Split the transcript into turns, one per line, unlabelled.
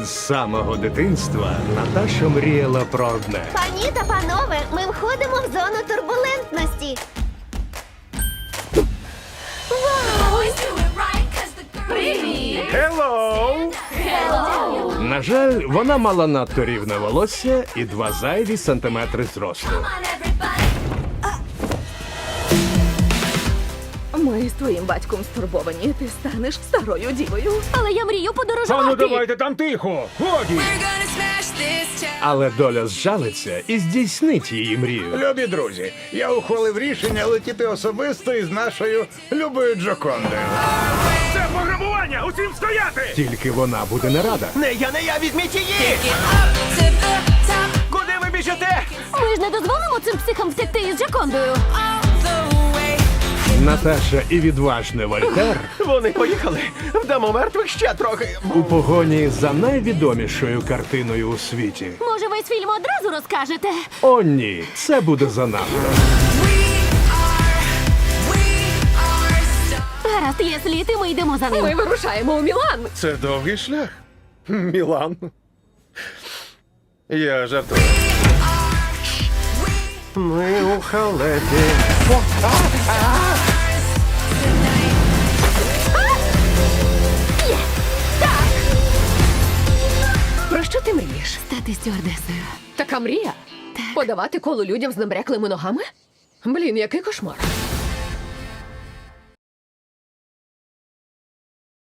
З самого дитинства Наташа мріяла про одне.
Пані та панове, ми входимо в зону турбулентності.
Hello! На жаль, вона мала надто рівне волосся і 2 зайві сантиметри зросту.
Ми з твоїм батьком стурбовані. Ти станеш старою дівою.
Але я мрію подорожувати.
Там тихо! Годі! Але доля зжалиться і здійснить її мрію.
Любі друзі, я ухвалив рішення летіти особисто із нашою любою Джокондою.
Це пограбування! Усім стояти! Тільки вона буде не рада.
Не я, візьміть її! Куди ви біжите?
Ми ж не дозволимо цим психам втекти із Джокондою.
Наташа і відважний Вольтер
Вони поїхали. Вдамо мертвих ще трохи.
у погоні за найвідомішою картиною у світі.
Може, весь фільм одразу розкажете?
О, ні, це буде занадто.
Гаразд, є слід, і ми йдемо за ним.
Ми вирушаємо у Мілан.
Це довгий шлях. Мілан. Я жартую.
Ми у халепі.
Про що ти мрієш?
Стати стюардесою.
Така мрія? Подавати коло людям з набряклими ногами? Блін, який кошмар.